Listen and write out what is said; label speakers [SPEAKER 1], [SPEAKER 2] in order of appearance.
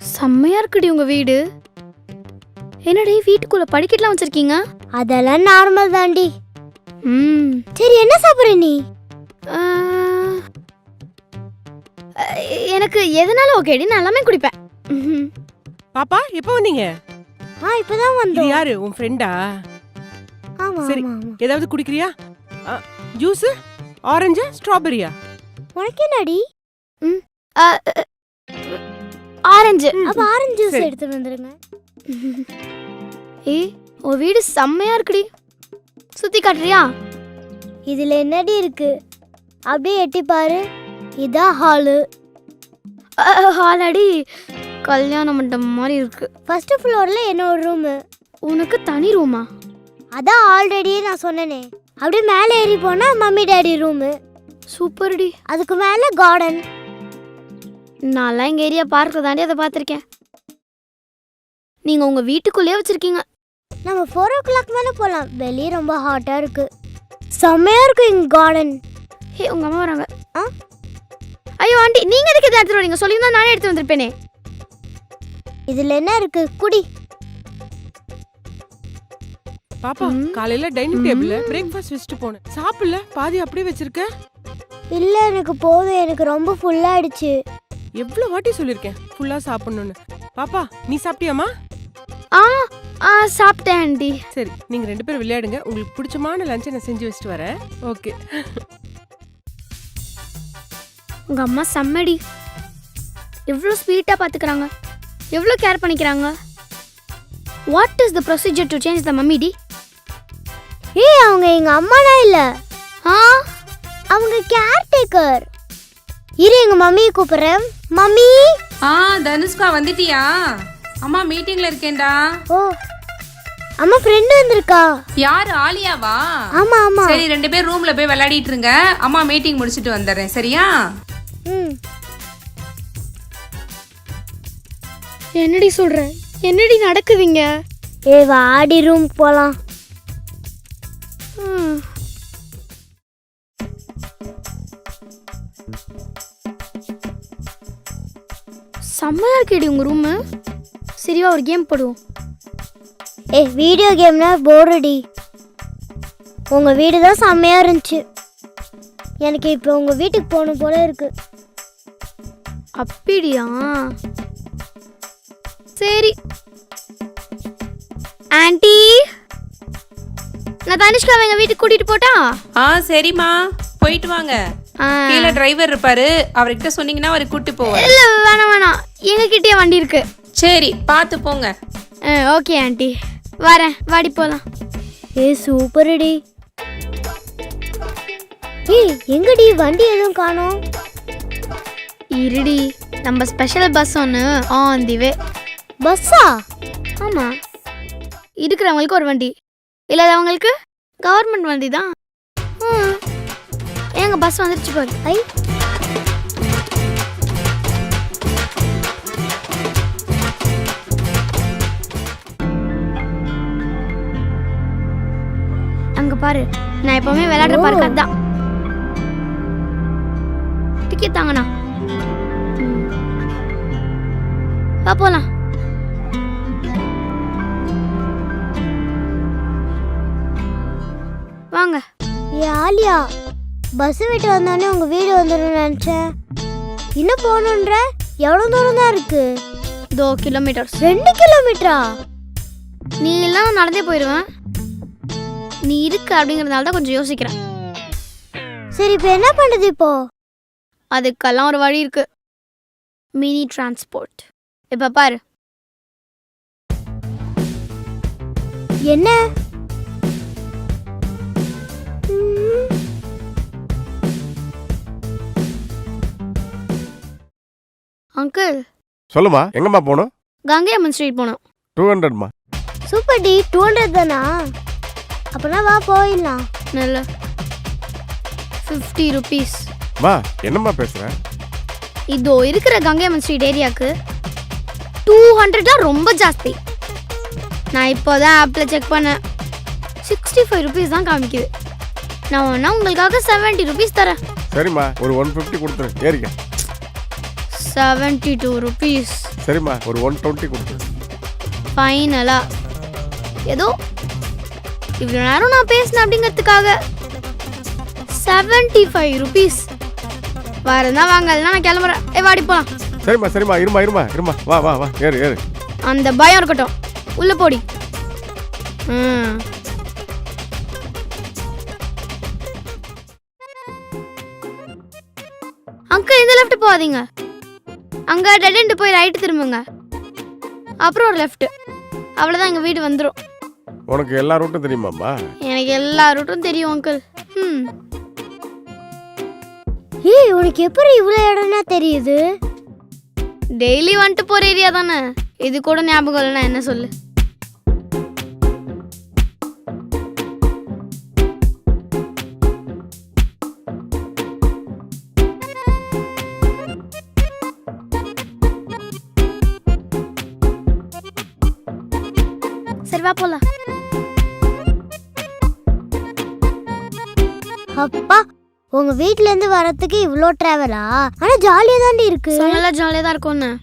[SPEAKER 1] செம்மையா இருக்குடி உங்க வீடு. என்னடி வீட்டுக்குள்ள படிக்கட்டுலாம் வச்சிருக்கீங்க?
[SPEAKER 2] அதெல்லாம் நார்மல் தாண்டி.
[SPEAKER 1] ம்
[SPEAKER 2] சரி என்ன சாப்பிடுற நீ?
[SPEAKER 1] ஆ, எனக்கு எதனால ஓகேடி, நான் எல்லாமே குடிப்பேன். ம்ஹும்.
[SPEAKER 3] பாப்பா எப்போ வந்தீங்க?
[SPEAKER 2] இப்பதான்
[SPEAKER 3] இது
[SPEAKER 2] வந்தோம்.
[SPEAKER 3] யாரு உன் ஃப்ரெண்டா?
[SPEAKER 2] ஆமா
[SPEAKER 3] சரி.
[SPEAKER 2] ஆமா ஆமா.
[SPEAKER 3] ஏதாவது குடிக்கிறியா? ஜூஸ், ஆரஞ்சு, ஸ்ட்ராபெரியா?
[SPEAKER 2] உனக்கு என்னடி?
[SPEAKER 1] ஆ, ஆரஞ்சு.
[SPEAKER 2] அப்ப ஆரஞ்சு ஜூஸ்
[SPEAKER 3] சரி.
[SPEAKER 2] எடுத்து வந்துருங்க.
[SPEAKER 1] ஏய் உன் வீடு செம்மையா இருக்குடி, சுத்தி காட்டுறியா?
[SPEAKER 2] இதுல என்னடி இருக்கு? அப்படியே எட்டி பாரு. இதான் ஹாலு.
[SPEAKER 1] ஹாலடி கல்யாண மண்டபம் மாதிரி இருக்கு.
[SPEAKER 2] ஃபர்ஸ்ட் ஃப்ளோர்ல என்னோட ரூம்.
[SPEAKER 1] உனக்கு தனி ரூமா?
[SPEAKER 2] அதான் ஆல்ரெடி நான் சொன்னனே. அப்படியே மேலே ஏறி போனா மம்மி டாடி ரூம்.
[SPEAKER 1] சூப்பர்டி.
[SPEAKER 2] அதுக்கு மேல கார்டன்.
[SPEAKER 1] நான்லாம் எங்க ஏரியா பார்க்ல தாண்டி அதை பார்த்துருக்கேன். நீங்க உங்க வீட்டுக்குள்ளேயே வச்சிருக்கீங்க.
[SPEAKER 2] நம்ம 4 o'clock மேல போலாம். வெளியே ரொம்ப ஹாட்டா இருக்கு. செம்மையா இருக்கு இங்க கார்டன்.
[SPEAKER 1] ஹே உங்க அம்மா வராங்க.
[SPEAKER 2] ஆ?
[SPEAKER 1] ஐயோ ஆண்டி, நீங்க எதுக்கு இதை எடுத்துட்டு வரீங்க? சொல்லியிருந்தா நானே எடுத்து வந்திருப்பேனே.
[SPEAKER 2] இதுல என்ன இருக்கு? குடி.
[SPEAKER 3] பாப்பா காலையில டைனிங் டேபிள்ல பிரேக்ஃபாஸ்ட் வச்சுட்டு போனேன். சாப்பிடல, பாதி அப்படியே வச்சிருக்க.
[SPEAKER 2] இல்ல எனக்கு போதும். எனக்கு ரொம்ப ஃபுல்லா ஆயிடுச்சு.
[SPEAKER 3] எவ்வளவு வாட்டி சொல்லிருக்கேன் ஃபுல்லா சாப்பிடணும்னு. பாப்பா நீ சாப்பிட்டியாமா?
[SPEAKER 1] ஆ ஆ சாப்பிட்டேன் ஆண்டி.
[SPEAKER 3] சரி, நீங்க 2 பேரும் விளையாடுங்க. உங்களுக்கு பிடிச்சமான லஞ்சை நான் செஞ்சு வச்சுட்டு வரேன். ஓகே.
[SPEAKER 1] உங்க அம்மா செம்மடி. எவ்வளோ ஸ்வீட்டாக பார்த்துக்கிறாங்க, எவ்வளோ கேர் பண்ணிக்கிறாங்க. What is the procedure to change the mummy டி?
[SPEAKER 2] ஏய் அவங்க எங்க அம்மானா இல்ல.
[SPEAKER 1] ஆ
[SPEAKER 2] அவங்க கேர்டேக்கர். இரு எங்க மம்மியை கூப்பிடுறேன். மம்மி.
[SPEAKER 4] தனுஷ்கா வந்துட்டியா? அம்மா மீட்டிங்ல இருக்கேன்டா.
[SPEAKER 2] ஓ அம்மா ஃப்ரெண்ட் வந்திருக்கா.
[SPEAKER 4] யாரு, ஆலியாவா?
[SPEAKER 2] ஆமா ஆமா.
[SPEAKER 4] சரி 2 பேர் ரூம்ல போய் விளையாடிட்டு இருங்க. அம்மா மீட்டிங் முடிச்சிட்டு வந்துடுறேன், சரியா?
[SPEAKER 2] ம்.
[SPEAKER 1] என்னடி சொல்ற? என்னடி நடக்குதுங்க?
[SPEAKER 2] ஏய் வாடி ரூம் போலாம்.
[SPEAKER 1] ம். செம்மையா இருக்கேடி உங்க ரூமு. சரிவா ஒரு கேம் போடுவோம்.
[SPEAKER 2] ஏய் வீடியோ கேம்னா போர்டி. உங்க வீடு தான் செம்மையா இருந்துச்சு. எனக்கு இப்போ உங்க வீட்டுக்கு போகணும் போல இருக்கு.
[SPEAKER 1] அப்படியா? சரி ஆண்டி, நான் தனுஷ்காவை எங்க வீட்டுக்கு கூட்டிட்டு போட்டா?
[SPEAKER 4] சரிம்மா, போயிட்டு வாங்க.
[SPEAKER 1] ஆ.
[SPEAKER 4] கீழே டிரைவர் இருப்பாரு, அவர்கிட்ட சொன்னீங்கன்னா அவரை கூட்டி போவார்.
[SPEAKER 1] இல்ல வேணாம் வேணாம், எங்க கிட்டே வண்டி இருக்கு.
[SPEAKER 4] சரி பார்த்து போங்க.
[SPEAKER 1] ஓகே ஆண்டி, வரேன். வாடி போலாம்.
[SPEAKER 2] ஏய் சூப்பர்டி. ஏய் எங்கடி வண்டி எதுவும் காணோம்?
[SPEAKER 1] இருடி, நம்ம ஸ்பெஷல் பஸ் ஒன்று ஆன் தி வே.
[SPEAKER 2] பஸ்ஸா?
[SPEAKER 1] ஆமா, இருக்கிறவங்களுக்கு ஒரு வண்டி, இல்லாதவங்களுக்கு கவர்மெண்ட் வண்டி தான். எங்க பஸ் வந்துருச்சு பாரு.
[SPEAKER 2] ஐ
[SPEAKER 1] அங்க பாரு, நான் எப்பவுமே விளையாடுற பார்க் அதான். டிக்கெட் தாங்கண்ணா. வா போலாம். வாங்க.
[SPEAKER 2] ஏ ஆலியா, பஸ் விட்டு வந்தானே உங்க வீடு வந்துடும் நினைச்சேன். இன்னும் போகணுன்ற? எவ்வளவு தூரம் தான் இருக்கு?
[SPEAKER 1] 2 கிலோமீட்டர்ஸ்.
[SPEAKER 2] 2 கிலோமீட்டரா?
[SPEAKER 1] நீ எல்லாம் நான் நடந்தே போயிடுவேன். நீ இருக்கு அப்படிங்கறதுனால தான் கொஞ்சம் யோசிக்கிறேன்.
[SPEAKER 2] சரி இப்போ என்ன பண்ணுது இப்போ?
[SPEAKER 1] அதுக்கெல்லாம் ஒரு வழி இருக்கு. Mini transport. இப்ப பாரு.
[SPEAKER 2] என்ன?
[SPEAKER 1] அங்கிள்,
[SPEAKER 5] சொல்லுமா, எங்கம்மா போகணும்?
[SPEAKER 1] கங்கை அம்மன் ஸ்ட்ரீட் போனோம்.
[SPEAKER 5] 200மா.
[SPEAKER 2] Super D. 200 தானா? அப்பனா வா போயிடலாம்.
[SPEAKER 1] நல்ல 50 ருபீஸ்.
[SPEAKER 5] மா என்னம்மா பேசுற?
[SPEAKER 1] இதோ இருக்கிற கங்கை அம்மன் ஸ்ட்ரீட் ஏரியாவுக்கு 200 ரொம்ப ஜாஸ்தி. நான் இப்போதான் ஆப்பில் செக் பண்ணேன், 65 ருபீஸ் தான் காமிக்குது. நான் வேணா உங்களுக்காக 70 ருபீஸ் தரேன்.
[SPEAKER 5] சரிம்மா, ஒரு 150 கொடுத்துரு, ஏறிக்க.
[SPEAKER 1] 72 ருபீஸ்.
[SPEAKER 5] சரிம்மா ஒரு 120 கொடுத்து.
[SPEAKER 1] ஃபைனலா ஏதோ இவ்வளோ நேரம் நான் பேசினேன் அப்படிங்கிறதுக்காக 75 ருபீஸ். வரதா வாங்க, இல்லைன்னா நான் கிளம்புறேன். வாடி போலாம்.
[SPEAKER 5] சரிம்மா சரிம்மா இருமா வா வா வா ஏறு.
[SPEAKER 1] அந்த பயம் இருக்கட்டும், உள்ள போடி. ம். அங்கிள் இந்த லெஃப்ட் போகாதீங்க. அங்க டெட் எண்ட் போய் ரைட் திரும்புங்க. அப்புறம் ஒரு லெஃப்ட். அவ்வளோதான், எங்கள் வீடு வந்துடும்.
[SPEAKER 5] உனக்கு எல்லா ரூட்டும் தெரியுமாம்மா?
[SPEAKER 1] எனக்கு எல்லா ரூட்டும் தெரியும் அங்கிள். ம்.
[SPEAKER 2] ஏய் உனக்கு எப்படி இவ்வளோ இடம்னா தெரியுது?
[SPEAKER 1] டெய்லி வந்துட்டு போகிற ஏரியா தானே. இது கூட ஞாபகம் இல்லைன்னா என்ன சொல்லு. சரி வா போலாம்.
[SPEAKER 2] அப்பா உங்க வீட்ல இருந்து வரதுக்கு இவ்வளோ டிராவலா? ஆனா ஜாலியா தாண்டி இருக்கு.
[SPEAKER 1] நல்லா ஜாலியாக தான் இருக்கும்னு.